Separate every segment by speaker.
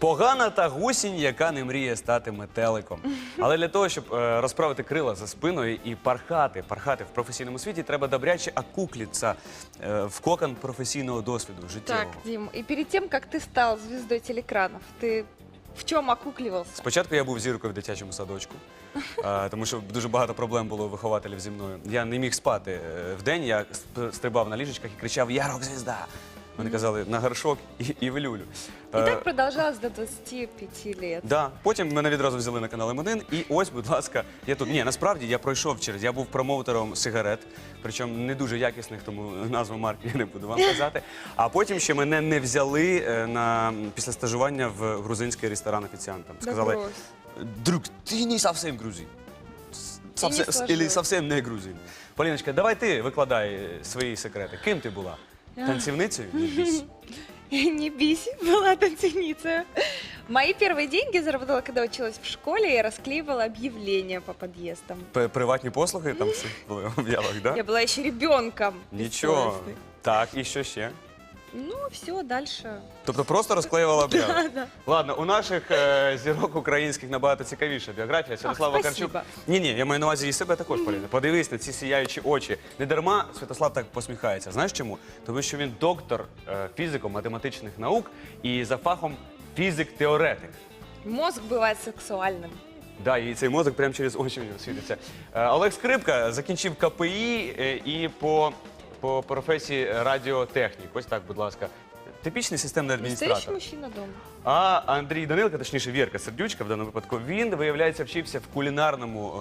Speaker 1: Погана та гусінь, яка не мріє стати метеликом. Але для того, щоб розправити крила за спиною і пархати в професійному світі, треба добряче окуклитися в кокон професійного досвіду життєвого.
Speaker 2: Так, Дим, и перед тем, как ты стал звездой телекранов, ты в чем окукливался?
Speaker 1: Спочатку я був зіркою в дитячому садочку, тому що дуже багато проблем було у вихователів зі мною. Я не міг спати вдень, я стрибав на ліжечках і кричав «Я рок-звізда!». Вони казали «На горшок і в люлю».
Speaker 2: И так продолжалось до 25 лет.
Speaker 1: Да. Потім мене відразу взяли на канал М1, і ось, будь ласка, я тут. Ні, насправді я пройшов через, я був промоутером сигарет, причому не дуже якісних, тому назву марки я не буду вам казати. А потім ще мене не взяли після стажування в грузинський ресторан офіціантом. Сказали, друг, ти не зовсім грузин. Или зовсім не грузин. Поліночка, давай ти викладай свої секрети. Ким ти була? Танцівницею?
Speaker 2: Не бись, была танцевница. Мои первые деньги заработала, когда училась в школе и расклеивала объявления по подъездам.
Speaker 1: Приватні послуги там всі були в об'явах, да?
Speaker 2: Я была еще ребенком.
Speaker 1: Нічого.
Speaker 2: бессовестной.
Speaker 1: Так, і що ще?
Speaker 2: Ну, все, дальше.
Speaker 1: Тобто просто розклеювала об'яви?
Speaker 2: Да.
Speaker 1: Ладно, у наших зірок українських набагато цікавіша біографія. Святослав Вакарчук.
Speaker 2: спасибо.
Speaker 1: Ні, я маю на увазі і себе також, Поліна. Подивись на ці сіяючі очі. Не дарма Святослав так посміхається. Знаєш чому? Тому що він доктор фізико-математичних наук і за фахом фізик-теоретик.
Speaker 2: Мозг бывает сексуальным.
Speaker 1: Да, і цей мозок прямо через очі в нього світиться. Олег Скрипка закінчив КПІ і по професії радіотехнік. Ось так, будь ласка. Типічний системний
Speaker 2: Настоящий
Speaker 1: адміністратор.
Speaker 2: мужчина дома.
Speaker 1: А Андрій Данилко, точніше Вірка Сердючка в даному випадку, він, виявляється, вчився в кулінарному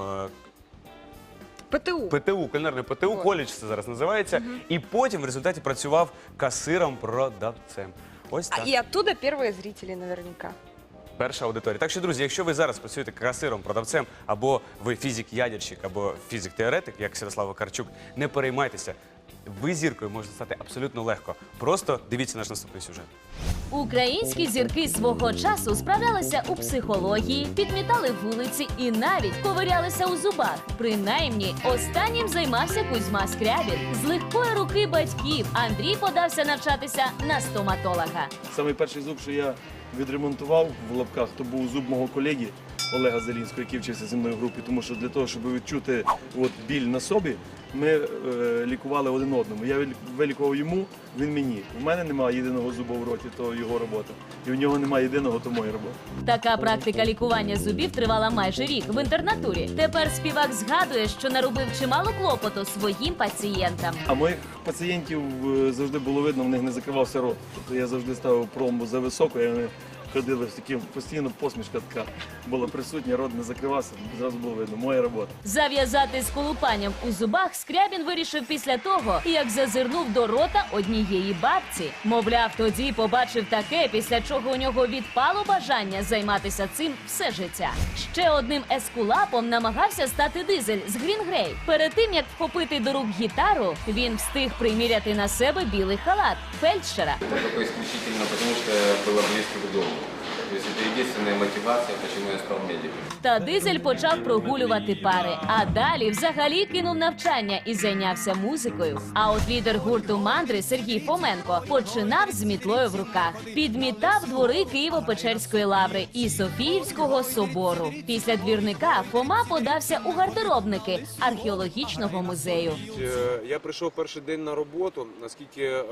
Speaker 2: ПТУ.
Speaker 1: ПТУ, кулінарне ПТУ, коледж це зараз називається, і потім в результаті працював касиром-продавцем. Ось так.
Speaker 2: И оттуда первые зрители наверняка.
Speaker 1: Перша аудиторія. Так що, друзі, якщо ви зараз працюєте касиром, продавцем, або ви фізик-ядерщик, або фізик-теоретик, як Святослав Вакарчук, не переймайтеся. Ви зіркою можете стати абсолютно легко. Просто дивіться наш наступний сюжет.
Speaker 3: Українські зірки свого часу справлялися у психології, підмітали вулиці і навіть ковирялися у зубах. Принаймні, останнім займався Кузьма Скрябін. З легкої руки батьків Андрій подався навчатися на стоматолога.
Speaker 4: Самий перший зуб, що я відремонтував в лапках, то був зуб мого колеги Олега Зелінського, який вчився зі мною в групі, тому що для того, щоб відчути біль на собі, ми лікували один одному. Я вилікував йому, він мені. У мене немає єдиного зуба в роті, то його робота. І у нього немає єдиного, то моя робота.
Speaker 3: Така практика лікування зубів тривала майже рік в інтернатурі. Тепер співак згадує, що наробив чимало клопоту своїм пацієнтам.
Speaker 4: А моїх пацієнтів завжди було видно, в них не закривався рот. Тобто я завжди ставив пломбу за високо, і вони ходили з таким, постійно посмішка така була присутня, рот не закривався, зразу було видно, моя робота.
Speaker 3: Зав'язати з колупанням у зубах Скрябін вирішив після того, як зазирнув до рота однієї бабці. Мовляв, тоді побачив таке, після чого у нього відпало бажання займатися цим все життя. Ще одним ескулапом намагався стати Дизель з Green Grey. Перед тим, як вхопити до рук гітару, він встиг приміряти на себе білий халат фельдшера.
Speaker 5: Это только исключительно потому, что я было близко к дому. То есть это единственная мотивация, почему я стал медиком.
Speaker 3: Та Дизель почав прогулювати пари, а далі взагалі кинув навчання і зайнявся музикою. А от лідер гурту «Мандри» Сергій Фоменко починав з мітлою в руках. Підмітав двори Києво-Печерської лаври і Софіївського собору. Після двірника Фома подався у гардеробники археологічного музею.
Speaker 6: Я прийшов перший день на роботу, наскільки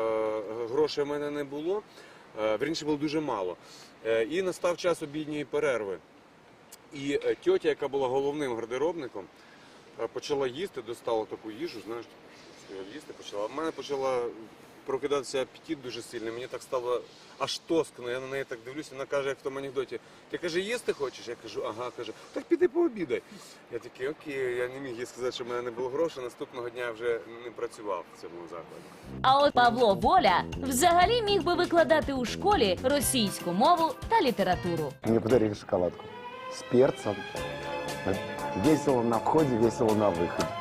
Speaker 6: грошей в мене не було, вірніше було дуже мало. І настав час обідньої перерви. І тьотя, яка була головним гардеробником, почала їсти, достала таку їжу, знаєш, їсти почала. А в мене почала прокидатися апетит дуже сильний, мені так стало аж тоскно, я на неї так дивлюся, вона каже, як в тому анекдоті, ти, каже, їсти хочеш? Я кажу, ага, каже, так піди пообідай. Я такий, окей, я не міг їй сказати, що в мене не було грошей, наступного дня я вже не працював в цьому закладі.
Speaker 3: А от Павло Воля взагалі міг би викладати у школі російську мову та літературу.
Speaker 7: Мне подарили шоколадку с перцем. Весело на входе, весело на выходе.